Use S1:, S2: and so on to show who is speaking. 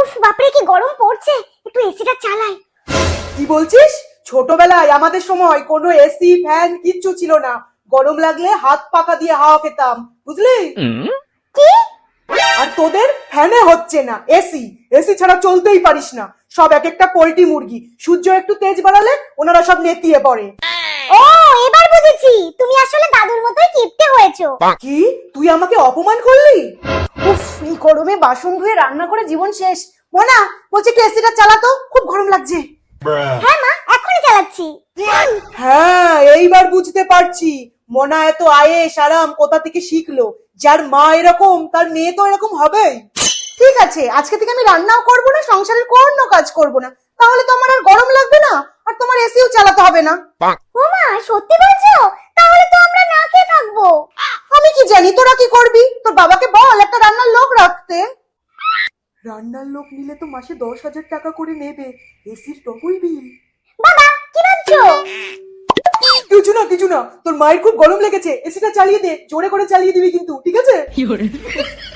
S1: উফ বাপরে কি গরম পড়ছে, একটু এসিটা চালাই।
S2: কি বলছিস? ছোটবেলায় আমাদের সময় কোনো এসি ফ্যান কিচ্ছু ছিল না, গরম লাগলে হাত পাকা দিয়ে হাওয়া খেতাম, বুঝলি?
S1: কি?
S2: আর তোদের ফ্যানে হচ্ছে না, এসি এসি ছাড়া চলতেই পারিস না। সব এক একটা পোল্ট্রি মুরগি, সূর্য একটু তেজ বাড়ালে ওনারা সব নেতিয়ে পড়ে।
S1: ও এবার বুঝেছি, তুমি আসলে দাদুর মতোই কিপটে হয়েছো।
S2: কি তুই আমাকে অপমান করলি? উফ, এই গরমে বাসন ধুয়ে রান্না করে জীবন শেষ। মোনা বলছে একটু এসিটা চালাতো, খুব গরম লাগছে।
S1: হ্যাঁ মা, এখনই চালাচ্ছি।
S2: হ্যাঁ, এইবার বুঝতে পারছি মোনা এত আয়েশ আরাম কোথা থেকে শিখলো। যার মা এরকম তার মেয়ে তো এরকম হবেই। ঠিক আছে, আজকে থেকে আমি রান্নাও করবো না, সংসারের কোনো কাজ করবো না, তাহলে তোমার আর গরম লাগবে না, আর তোমার এসিও চালাতে হবে না।
S1: ও মা, সত্যি বলছো? তাহলে তো আমরা না খেয়ে থাকবো।
S2: আমি কি জানি তোরা কি করবি, তোর বাবাকে বল একটা রান্নার লোক রাখতে। রান্নার লোক নিলে তো মাসে 10,000 টাকা করে নেবে, এসির ডবল বিল।
S1: বাবা কি ভাবছো?
S2: কিছু না, তোর মায়ের খুব গরম লেগেছে, এসিটা চালিয়ে দে, জোরে করে চালিয়ে দিবি কিন্তু, ঠিক আছে?